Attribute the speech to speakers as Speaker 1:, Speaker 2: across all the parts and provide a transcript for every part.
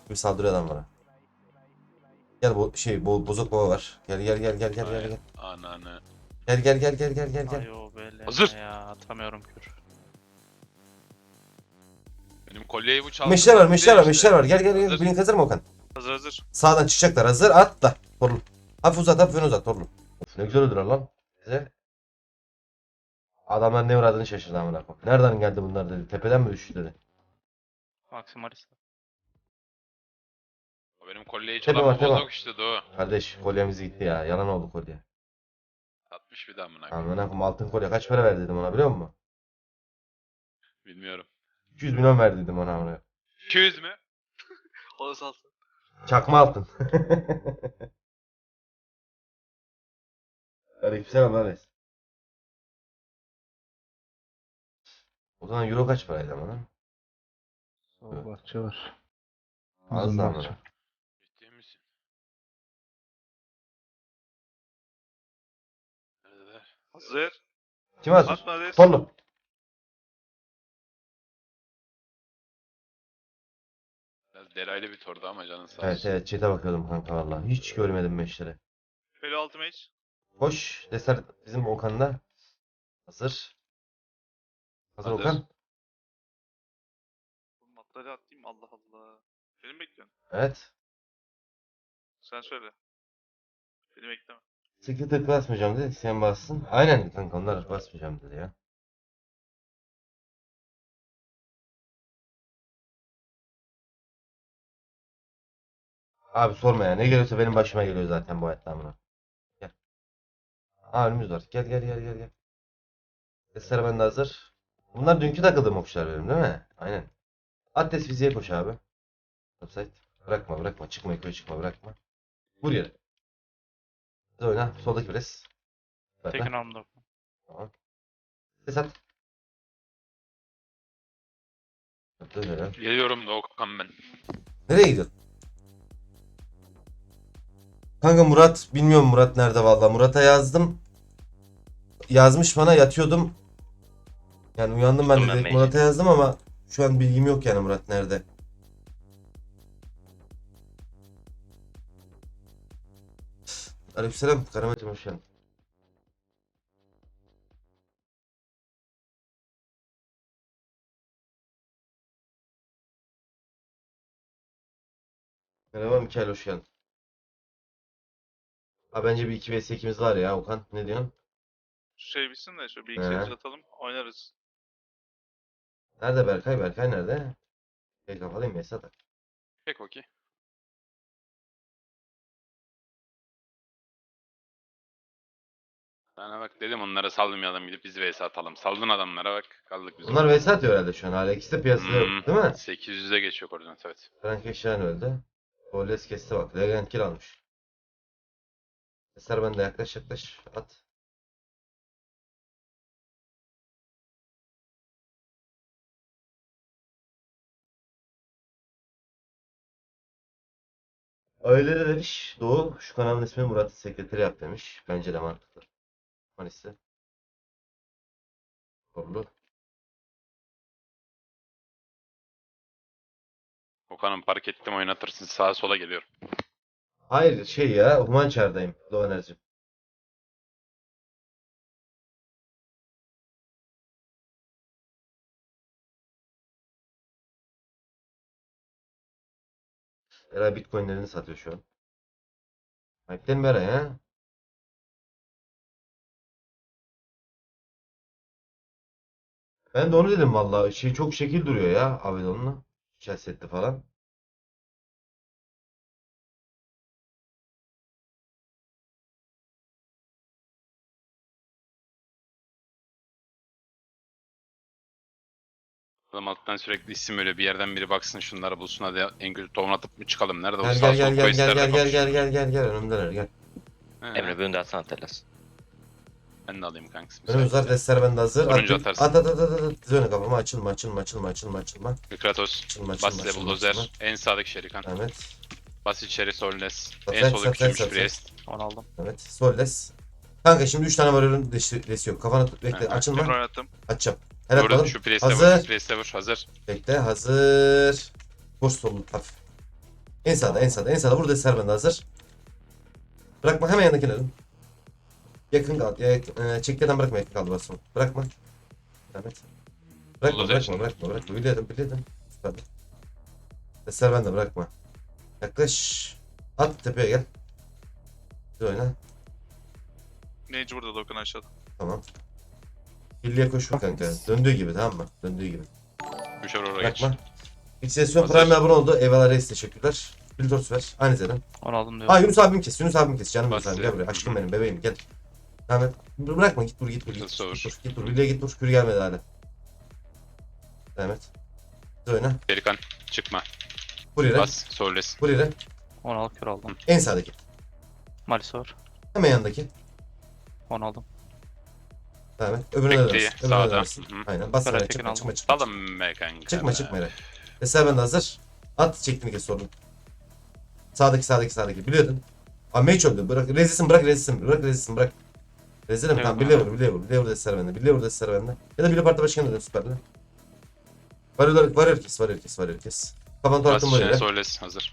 Speaker 1: Bir saldırıyor adam bana. Gel bu şey bozuk baba var. Gel gel gel gel gel gel gel.
Speaker 2: Ananı.
Speaker 1: Gel gel gel gel gel gel
Speaker 3: Ay
Speaker 1: gel.
Speaker 3: o böyle
Speaker 2: Hazır.
Speaker 3: ya atamıyorum kür.
Speaker 2: Benim kolyeyi bu çaldı.
Speaker 1: Meşler var, meşler var,
Speaker 2: İşte.
Speaker 1: meşler var. Gel gel gel.
Speaker 2: Hazır.
Speaker 1: Blink hazır mı Okan?
Speaker 3: Hazır hazır.
Speaker 1: Sağdan çıkacaklar. Hazır. At da. Torlu. Hafif uzat, hafif uzat. Torlu. Of, ne güzel öldüler lan. Güzel. Adamlar ne uğradığını şaşırdı amına koyayım. Nereden geldi bunlar dedi. Tepeden mi düştü dedi.
Speaker 3: Maximalis.
Speaker 2: O benim kolyeyi
Speaker 1: Tepe
Speaker 2: çalan
Speaker 1: var,
Speaker 2: bu
Speaker 1: tepe var.
Speaker 2: bozuk işte Doğu.
Speaker 1: Kardeş kolyemiz gitti ya. Yalan oldu kolye.
Speaker 2: 60 bir daha amına koyayım.
Speaker 1: Amına koyayım altın kolye kaç para ver dedim ona biliyor musun?
Speaker 2: Bilmiyorum.
Speaker 1: 200 milyon ver dedim ona amına.
Speaker 2: 200 mü?
Speaker 3: O salsın.
Speaker 1: Çakma altın. Aleykümselam lan reis. O zaman euro kaç paraydı amına?
Speaker 4: Sol bahçe var.
Speaker 1: Az
Speaker 4: Uzun
Speaker 1: da
Speaker 4: bahçe.
Speaker 1: amına.
Speaker 2: Ciddi misin? Neredeler?
Speaker 3: Hazır.
Speaker 1: Kim hazır?
Speaker 3: Atma des.
Speaker 1: Torlu.
Speaker 2: Biraz deraylı bir tordu ama canın sağ
Speaker 1: Evet
Speaker 2: olsun.
Speaker 1: evet chat'e bakıyordum kanka vallahi. Hiç görmedim meşleri.
Speaker 3: Böyle altı mage.
Speaker 1: Koş. Deser bizim Okan'da. Hazır. Hazır
Speaker 2: Hazır.
Speaker 1: Okan.
Speaker 3: Oğlum atları atayım Allah Allah. Beni mi bekliyorsun?
Speaker 1: Evet.
Speaker 3: Sen söyle. Beni bekleme.
Speaker 1: Sıkı tık basmayacağım dedi. Sen bassın. Aynen kanka onlar basmayacağım dedi ya. Abi sorma ya. Ne geliyorsa benim başıma geliyor zaten bu hayatta amına. Gel. Aa önümüz var. Gel gel gel gel gel. Deser bende hazır. Bunlar dünkü takıldığım okçular benim değil mi? Aynen. Atlas fiziğe koş abi. Upside. Bırakma bırakma. Çıkma yukarı çıkma bırakma. Vur yere. Hadi oyna. Soldaki pres. Bırak
Speaker 3: Tekin
Speaker 1: lan.
Speaker 3: alımda.
Speaker 1: Tamam. Ses at. Attı öyle ya.
Speaker 2: Geliyorum Doğukan ben.
Speaker 1: Nereye gidiyorsun? Kanka Murat bilmiyorum Murat nerede vallahi. Murat'a yazdım. Yazmış bana yatıyordum. Yani uyandım ben de
Speaker 5: Tuttum ben
Speaker 1: direkt
Speaker 5: maili.
Speaker 1: Murat'a yazdım ama şu an bilgim yok yani Murat nerede. Aleykümselam Karametim hoş geldin. Merhaba Mikael hoş geldin. Ha bence bir 2 vs 2'miz var ya Okan ne diyorsun?
Speaker 3: Şey bitsin de şöyle bir iki set
Speaker 1: He.
Speaker 3: atalım oynarız.
Speaker 1: Nerede Berkay? Berkay nerede? Şey kapalıyım Esat.
Speaker 2: Pek okey. Sana bak dedim onlara salmayalım gidip biz vs atalım. Saldın adamlara bak kaldık biz.
Speaker 1: Onlar vs atıyor herhalde şu an. Hala ikisi de piyasada yok değil mi?
Speaker 2: 800'e geçiyor koordinat evet.
Speaker 1: Frank Eşyan öldü. Boles kesti bak. Legend kill almış. Eser bende yaklaş yaklaş. At. Öyle de demiş. Doğu şu kanalın ismi Murat'ı sekreteri yap demiş. Bence de mantıklı. Manisi. Doğru.
Speaker 2: Okan'ım park ettim oynatırsın sağa sola geliyorum.
Speaker 1: Hayır şey ya. Humançar'dayım. Doğu Enerji. Era Bitcoin'lerini satıyor şu an. Hype'den beri ya. Ben de onu dedim vallahi. Şey çok şekil duruyor ya. Avedon'la. Chelsea'de falan.
Speaker 2: Adam alttan sürekli isim öyle bir yerden biri baksın şunları bulsun hadi en kötü tohum atıp mı çıkalım? Nerede bu
Speaker 1: Gel
Speaker 2: sağ
Speaker 1: gel
Speaker 2: sol
Speaker 1: gel gel gel
Speaker 2: questlerle
Speaker 1: gel gel
Speaker 2: kapışıyor.
Speaker 1: gel gel gel önümdeler gel.
Speaker 2: He,
Speaker 5: Emre bunu da atsana Telas.
Speaker 2: ben de alayım kanks.
Speaker 1: Önümüz var destler bende hazır.
Speaker 2: Turuncu
Speaker 1: At,
Speaker 2: atarsın.
Speaker 1: at at at at at. Diz öne kafama açılma açılma açılma açılma açılma.
Speaker 2: Kratos.
Speaker 1: Açılma
Speaker 2: Bas
Speaker 1: açılma
Speaker 2: ile
Speaker 1: açılma
Speaker 2: bulldozer.
Speaker 1: açılma.
Speaker 2: En sağdaki şerikan.
Speaker 1: Evet.
Speaker 2: Bas içeri solnes.
Speaker 1: Sat,
Speaker 2: En
Speaker 1: sat,
Speaker 2: solda
Speaker 1: sat,
Speaker 2: küçülmüş
Speaker 1: sat,
Speaker 2: priest.
Speaker 3: Onu aldım.
Speaker 1: Evet. Solles. Kanka şimdi 3 tane varıyorum desi yok. Kafana tut bekle
Speaker 2: Hı hı.
Speaker 1: açılma.
Speaker 3: Tekrar oynattım.
Speaker 1: Açacağım. Helal
Speaker 2: Vur
Speaker 1: bakalım.
Speaker 2: şu priest'e vur.
Speaker 1: Hazır.
Speaker 2: Priest'e vur. Hazır.
Speaker 1: Bekle hazır. Koş solun hafif. En sağda, en sağda, en sağda. Burada Serben de hazır. Bırakma, hemen yanındakine dön. Yakın kal. Çektiğinden bırakma, yakın kaldı basma. Bırakma. Evet. Bırakma,
Speaker 2: Olur,
Speaker 1: bırakma,
Speaker 2: şimdi.
Speaker 1: bırakma. Biliyordum. Süper. Serben de bırakma. Yaklaş. At tepeye gel. Bir oyna.
Speaker 3: Mage burada Dokan aşağıda.
Speaker 1: Tamam. Birliğe koş vur kanka. Döndüğü gibi, tamam mı? Döndüğü gibi.
Speaker 2: Müşer oraya geç.
Speaker 1: Bırakma. Xsesyon
Speaker 2: Hazır.
Speaker 1: Prime'e abone oldu. Eyvallah reis, teşekkürler. Bildos ver. Aynı zeden.
Speaker 5: Onu aldım diyor.
Speaker 1: Aa Yunus abim kes. Yunus abim kes. Canım Yunus
Speaker 2: Bas
Speaker 1: abim.
Speaker 2: ya.
Speaker 1: Gel buraya. Aşkım benim. Bebeğim gel. Tamam. Bırakma. Git vur.
Speaker 2: Hızlı olur.
Speaker 1: Git vur. Birliğe git vur. Kür gelmedi hala. Devam et. Hadi oyna.
Speaker 2: Şerikan çıkma.
Speaker 1: Vur yere.
Speaker 2: Bas. Solles.
Speaker 1: Vur yere.
Speaker 5: Onu al kör aldım.
Speaker 1: En sağdaki.
Speaker 5: Malisi var.
Speaker 1: Hemen yanındaki.
Speaker 5: Onu aldım.
Speaker 1: Devam et. Öbürüne
Speaker 2: Bekleyi,
Speaker 1: dönersin. Öbürüne
Speaker 2: sağda.
Speaker 1: dönersin.
Speaker 2: Hı hı.
Speaker 1: Aynen. Bas
Speaker 5: Ferhat
Speaker 1: sana.
Speaker 5: Tekin
Speaker 1: Çıkma.
Speaker 5: aldım.
Speaker 2: Salın be kanka.
Speaker 1: Çıkma yere. Mesela ben de hazır. At çektiğini kes sorun. Sağdaki. Biliyordun. Aa mage öldü. Bırak. Rezilsin bırak. Bırak. Rezilim tamam.
Speaker 5: Eyvallah.
Speaker 1: Birliğe vur. Destere bende. Ya da Birliğe parti başkanı dön süperle. Varıyor kes. Kafanı
Speaker 2: Bas
Speaker 1: torattım
Speaker 2: içine
Speaker 1: böyle.
Speaker 2: Solles hazır.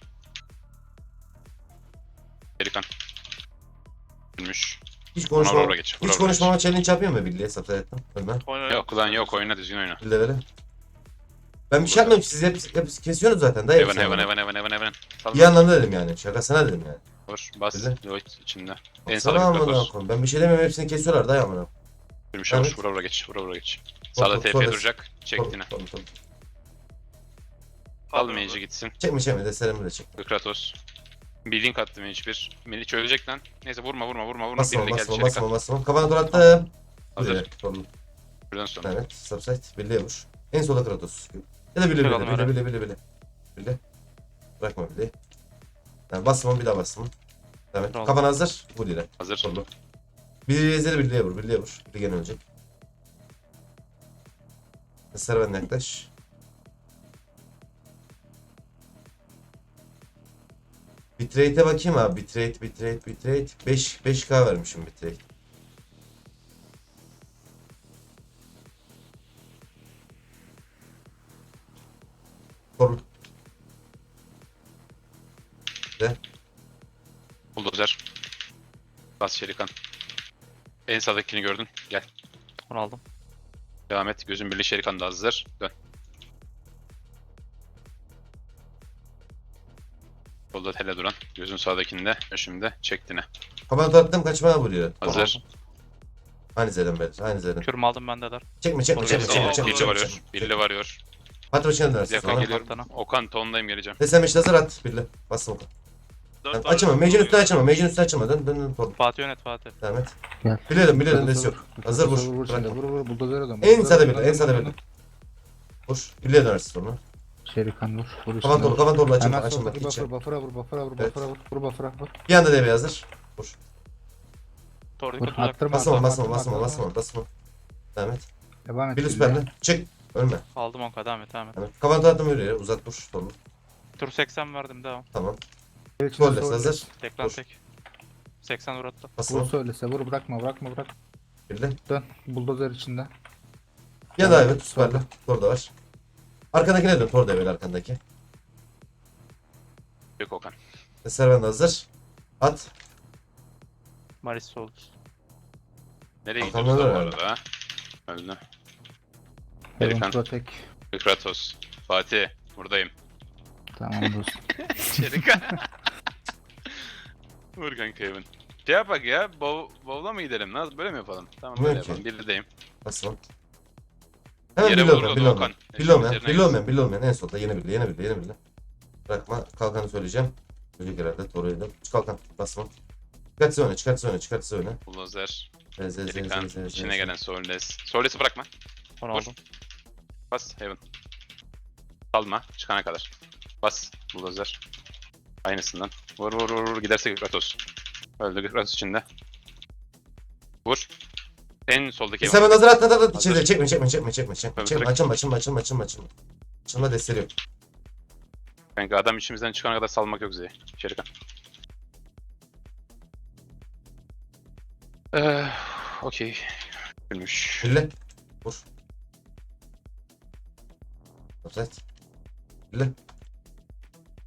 Speaker 2: Şerikan. Gülmüş.
Speaker 1: Hiç
Speaker 2: Vura
Speaker 1: konuşmama.
Speaker 2: vura geç.
Speaker 1: Hiç konuşmama challenge yapıyor mu Birliğe? Sapsa ettim. Ölme.
Speaker 3: Oyna.
Speaker 2: Yok lan yok, oyna düzgün oyna.
Speaker 1: Birliğe vere. Ben bir şey yapmıyorum. Siz hep kesiyorsunuz zaten. Daha hepsi yani.
Speaker 2: Heaven. Salma.
Speaker 1: İyi anlamda dedim yani. Şakasına dedim yani.
Speaker 2: Vur. Bas.
Speaker 1: Güzel.
Speaker 2: Lloyd içinde. En
Speaker 1: Sana
Speaker 2: sağda bir
Speaker 1: amına
Speaker 2: Kratos.
Speaker 1: koyayım. Ben bir şey demiyorum. Hepsini kesiyorlar. Daha amına.
Speaker 2: Gülmüş
Speaker 1: Evet.
Speaker 2: olur. Vura geç. Sağda TP
Speaker 1: Solles.
Speaker 2: duracak. Çektiğine.
Speaker 1: Tamam.
Speaker 2: Al mage'i gitsin.
Speaker 1: Çekme. Desterimi de çek.
Speaker 2: Kratos. Bir link attı mage bir. Melih ölecek lan. Neyse vurma.
Speaker 1: Basma.
Speaker 2: Birliğe geldi Şerikan.
Speaker 1: Kafana dur attım.
Speaker 2: Hazır.
Speaker 1: Hazır. Sorun.
Speaker 2: Buradan sonra.
Speaker 1: Evet. Subsite. Birliğe vur. En sola Kratos. Ya da bile. Bile. Bırakma bile. Yani basma bir daha basma. Evet.
Speaker 5: Tamam.
Speaker 1: Kafan hazır. Vur yere.
Speaker 2: Hazır.
Speaker 1: Sorun. Bir ezeli birliğe vur. Bir gene ölecek. Serven'le yaklaş. Bitrate'e bakayım abi. Bitrate. 5K vermişim bitrate. Sorun.
Speaker 2: Bulldozer. Bas Şerikan. En sağdakini gördün. Gel.
Speaker 5: Onu aldım.
Speaker 2: Devam et. Gözün birliği Şerikan da hazır. Dön. Solda tele duran. Gözün sağdakinde. Şimdi çektiğine.
Speaker 1: Kafana attım kaçmaya vuruyor.
Speaker 2: Hazır.
Speaker 1: Aynı zeden beyler. Aynı zeden.
Speaker 5: Kürümü aldım bende der.
Speaker 1: Çekme.
Speaker 2: Billi varıyor. Billi varıyor.
Speaker 1: Parti başına dönersin.
Speaker 2: Yakın
Speaker 1: Sonra.
Speaker 2: geliyorum.
Speaker 5: Kaptana.
Speaker 2: Okan tondayım geleceğim.
Speaker 1: Desem işte hazır at. Birli. Bastım oku.
Speaker 3: Dört
Speaker 1: Açma.
Speaker 3: tane
Speaker 1: Mage'in üstüne
Speaker 3: oluyor.
Speaker 1: açma. Dön. Torun.
Speaker 5: Fatih yönet Fatih.
Speaker 1: Devam et.
Speaker 4: Gel.
Speaker 1: Biliyordum. Desi yok. Hazır vur.
Speaker 4: Vur şimdi.
Speaker 1: Bırakma.
Speaker 4: Vur. Buldozer adam.
Speaker 1: En sağda birli. Vur. Birliğe dönersin sonra.
Speaker 4: Şerikan vur. Vur
Speaker 1: Kafan
Speaker 4: üstüne.
Speaker 1: torlu. Açma.
Speaker 4: Hemen
Speaker 1: Açma.
Speaker 4: soldaki
Speaker 1: Hiç.
Speaker 4: buffera vur.
Speaker 1: Evet.
Speaker 4: Vur buffera vur.
Speaker 1: Bir anda devreye hazır. Vur.
Speaker 5: Doğru
Speaker 4: Vur.
Speaker 5: dikkat uzak.
Speaker 4: Attırma.
Speaker 1: Basma. Devam et.
Speaker 4: Devam et.
Speaker 1: Birli süperli. Çık. Ölme.
Speaker 5: Aldım 10k devam et.
Speaker 1: Evet. Kafana attım yürüye. Uzat vur. Torlu.
Speaker 5: Tur 80 verdim devam.
Speaker 1: Tamam.
Speaker 4: Gol
Speaker 1: Solles hazır.
Speaker 5: Tekrar
Speaker 1: Vur.
Speaker 5: tek. 80 vur attı.
Speaker 4: Vur
Speaker 1: Basma.
Speaker 4: söylese vur bırak.
Speaker 1: Birli.
Speaker 4: Dön. Buldozer içinde.
Speaker 1: Ya da evet süperli. Tor da var. Arkandakine dön. Tor da evet arkandaki.
Speaker 2: Yok Okan.
Speaker 1: Serven de hazır. At.
Speaker 5: Malisi oldu.
Speaker 2: Nereye
Speaker 1: Okan
Speaker 2: gidiyoruz
Speaker 1: öldü
Speaker 2: bu
Speaker 1: herhalde.
Speaker 2: arada? Öldü.
Speaker 4: Heaven
Speaker 2: Şerikan.
Speaker 4: Protect.
Speaker 2: Kratos. Fatih. Buradayım.
Speaker 4: Tamam dostum.
Speaker 2: Şerikan. Vur kanka Evan. Şey yapak ya. Bowl'a mı gidelim? Nasıl böyle mi yapalım? Tamam böyle
Speaker 1: Mümkün.
Speaker 2: yapalım. Birdeyim.
Speaker 1: Basma. Hemen
Speaker 2: Yere
Speaker 1: Billy
Speaker 2: vurdu Okan.
Speaker 1: olmayan. En solda yeni bildi. Bırakma. Kalkanı söyleyeceğim. Ölecek herhalde. Toru'yu da. Çık kalkan. Basma. Çıkartsa oyna.
Speaker 2: Bulldozer.
Speaker 1: Z.
Speaker 2: Şerikan. İçine gelen Solles. Solles'i bırakma.
Speaker 5: Onu
Speaker 2: Vur.
Speaker 5: aldım.
Speaker 2: Bas Heaven. Salma. Çıkana kadar. Bas. Bulldozer. Aynısından. Vur. Giderse Kratos. Öldü Kratos içinde. Vur. En soldaki
Speaker 1: Sen hazır at. İçeri
Speaker 2: Hazır.
Speaker 1: çekme. Açılma. Açılma desteri yok.
Speaker 2: Kanka adam içimizden çıkana kadar salmak yok Z'ye. Şerikan. Okey. Gülmüş.
Speaker 1: Birli. Vur. Offside. Birli.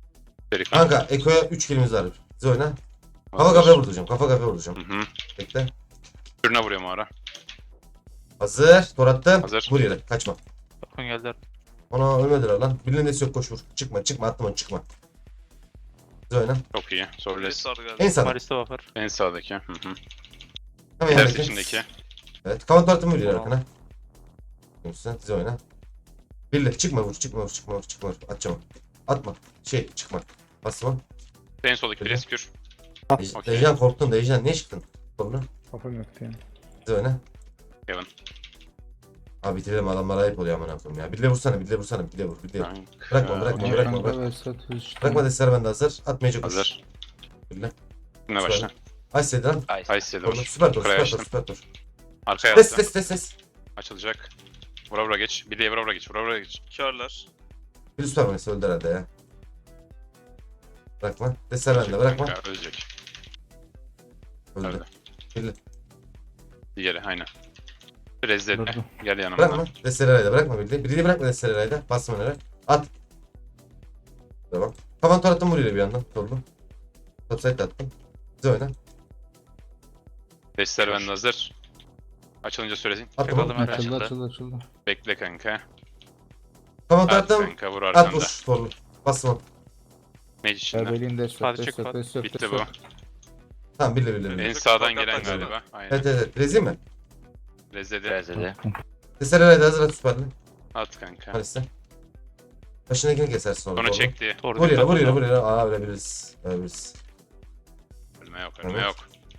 Speaker 2: Seri kanka.
Speaker 1: Kanka Eko'ya 3 kilimiz var. Biz oyna. Kafa
Speaker 2: Hazır.
Speaker 1: kafaya vuracağım. Kafa kafaya vuracağım.
Speaker 2: Hı hı.
Speaker 1: Bekle.
Speaker 2: Kürüne vuruyorum o ara.
Speaker 1: Hazır. Tor attım.
Speaker 2: Hazır.
Speaker 1: Vur yere. Kaçma.
Speaker 5: Dokun geldi.
Speaker 1: Ona ölmediler lan. Birinin nesi yok koş vur. Çıkma çıkma attım onu çıkma. Biz oyna.
Speaker 2: Çok iyi.
Speaker 3: Bir
Speaker 2: Sorles.
Speaker 3: sarı geldi.
Speaker 1: En sağda.
Speaker 5: Maris'te buffer.
Speaker 2: En sağdaki. Hı hı.
Speaker 1: Hemen
Speaker 2: Ters
Speaker 1: yanındaki.
Speaker 2: içindeki.
Speaker 1: Evet. Kavan tor attım vur yere
Speaker 5: Tamam.
Speaker 1: arkana. Sen biz oyna. Birle çıkma vur çıkma vur çıkma vur çıkma vur. Atacağım. Atma. Şey çıkma. Basma.
Speaker 2: En soldaki
Speaker 1: Öyle.
Speaker 2: pres kür. Okey.
Speaker 1: Dejan korktun Dejan. Niye çıktın? Kolunu.
Speaker 4: Kafam yoktu yani.
Speaker 1: Biz oyna.
Speaker 2: Kevin.
Speaker 1: Abi bitirelim adamlara ayıp oluyor amına koyayım ya. Birle vursana birle vursana birle vur birle vur.
Speaker 2: Kanka.
Speaker 1: Bırakma, bırakma,
Speaker 2: Okey.
Speaker 1: bırakma.
Speaker 4: Kanka ve satış işte.
Speaker 1: Bırakma destler bende hazır. Atmayacak koş.
Speaker 2: Hazır.
Speaker 1: Birle.
Speaker 2: Ne başla?
Speaker 1: Aç lan.
Speaker 2: Ice yedi
Speaker 1: Torlu.
Speaker 2: vur.
Speaker 1: Süper tor
Speaker 2: Kıraya
Speaker 1: süper tor
Speaker 2: açtım.
Speaker 1: süper tor.
Speaker 2: Arkaya
Speaker 1: Des
Speaker 2: attım.
Speaker 1: des.
Speaker 2: Açılacak. Vura vura geç. Bir de vura vura geç. Vura vura geç.
Speaker 3: Körler.
Speaker 1: Bir süper manesi öldü herhalde ya. Bırakma. Destler bende bırakma.
Speaker 2: Kanka, ölecek.
Speaker 1: Öldü.
Speaker 2: Öldü.
Speaker 1: Birle.
Speaker 2: Diğeri aynen. Rezil.
Speaker 4: Durdu.
Speaker 2: Gel yanıma.
Speaker 1: Bırakma. Destler herhalde bırakma birle. Birliği bırakma destler herhalde. Basma önere. At. Tamam. Kafan tor attım vuruyor bir yandan. Torlu. Topside attım. Biz oyna.
Speaker 2: Destler bende hazır. Açılınca söylesin.
Speaker 1: Attım.
Speaker 5: Yakaladım her
Speaker 4: Açıldı
Speaker 5: açıldı.
Speaker 4: açıldı.
Speaker 2: Bekle kanka.
Speaker 1: Kafan tor
Speaker 2: At
Speaker 1: attım.
Speaker 2: kanka vur
Speaker 1: At
Speaker 2: arkanda.
Speaker 1: vur. Torlu. Basma.
Speaker 2: Mage içinde.
Speaker 4: Bebeliğin de
Speaker 5: Hadi
Speaker 4: yok.
Speaker 5: çık bak.
Speaker 4: Des yok.
Speaker 2: Bitti bu.
Speaker 1: Tamam birle.
Speaker 2: En
Speaker 3: Evet.
Speaker 2: sağdan
Speaker 3: Fakat
Speaker 2: gelen
Speaker 3: baksana.
Speaker 2: galiba. Aynen.
Speaker 1: Evet. Rezil mi?
Speaker 2: Rezede.
Speaker 1: Destler herhalde hazır at süperli.
Speaker 2: At kanka.
Speaker 1: Halis'te. Başındakini kesersin sonra.
Speaker 2: Sonra
Speaker 1: Torlu.
Speaker 2: çekti.
Speaker 5: Tor
Speaker 1: Vur yere
Speaker 5: dikkat
Speaker 1: vur yere
Speaker 5: et.
Speaker 1: vur yere. Aa ölebiliriz. Ölebiliriz.
Speaker 2: Ölme yok ölme
Speaker 1: Evet.
Speaker 2: yok.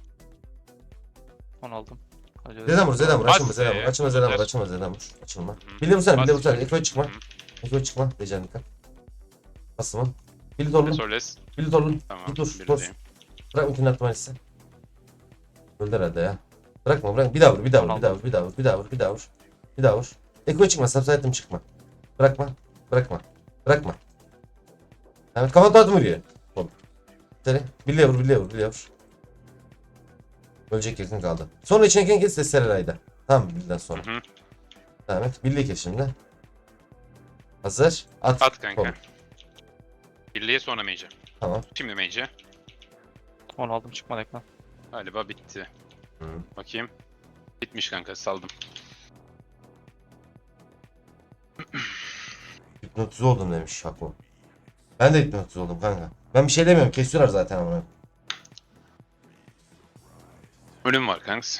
Speaker 5: Onu aldım. Hadi
Speaker 1: Zeden vur Zeden vur.
Speaker 2: Bas
Speaker 1: Açılma Zeden vur.
Speaker 2: be.
Speaker 1: Açılma Zeden vur.
Speaker 2: Yeter.
Speaker 1: Açılma Zeden vur. Açılma.
Speaker 2: Hı.
Speaker 1: Bile vursana bile
Speaker 2: Bas.
Speaker 1: vursana. Eko'ya çıkma.
Speaker 2: Hı.
Speaker 1: Eko'ya çıkma. Dejan dikkat. Basma. Bili torlu.
Speaker 2: Sorles.
Speaker 1: Bili torlu.
Speaker 2: Tamam.
Speaker 1: Bir dur. Dur.
Speaker 2: Birdeyim.
Speaker 1: Bırak mümkün atmalısın. Öldü herhalde ya. Bırakma bırak. Bir daha vur. Bir daha vur. Bir daha vur. Bir daha vur. Bir daha vur. Bir daha vur. Bir daha vur. Eko'ya çıkma. Subside'ım çıkma. Bırakma. Bırakma. Bırakma. Evet kafa dağıtım vuruyor. Oğlum. Seni. Birliğe vur. Birliğe vur. Birliğe vur. Ölecek yakın kaldı. Sonra içine kes ses Sereray'da. Tamam birden sonra.
Speaker 2: Hı hı.
Speaker 1: Devam et. Birliği kes şimdi. Hazır. At.
Speaker 2: At kanka.
Speaker 1: Oğlum.
Speaker 2: Birliğe sonra mage'e.
Speaker 1: Tamam.
Speaker 2: Şimdi mage'e.
Speaker 5: Onu aldım çıkmadı ekran.
Speaker 2: Galiba bitti.
Speaker 1: Hı.
Speaker 2: Bakayım. Bitmiş kanka saldım.
Speaker 1: Hipnotize oldum demiş Şako. Ben de hipnotize oldum kanka. Ben bir şey demiyorum. Kesiyorlar zaten ama.
Speaker 2: Ölüm var kanks.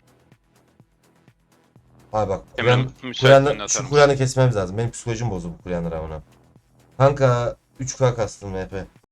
Speaker 1: Abi bak.
Speaker 2: Hemen müsaitliğini
Speaker 1: Kuryanı,
Speaker 2: atar
Speaker 1: şu
Speaker 2: mısın?
Speaker 1: Kuryan'ı kesmemiz lazım. Benim psikolojim bozuldu bu Kuryan'lara ona. Kanka 3K kastım VP.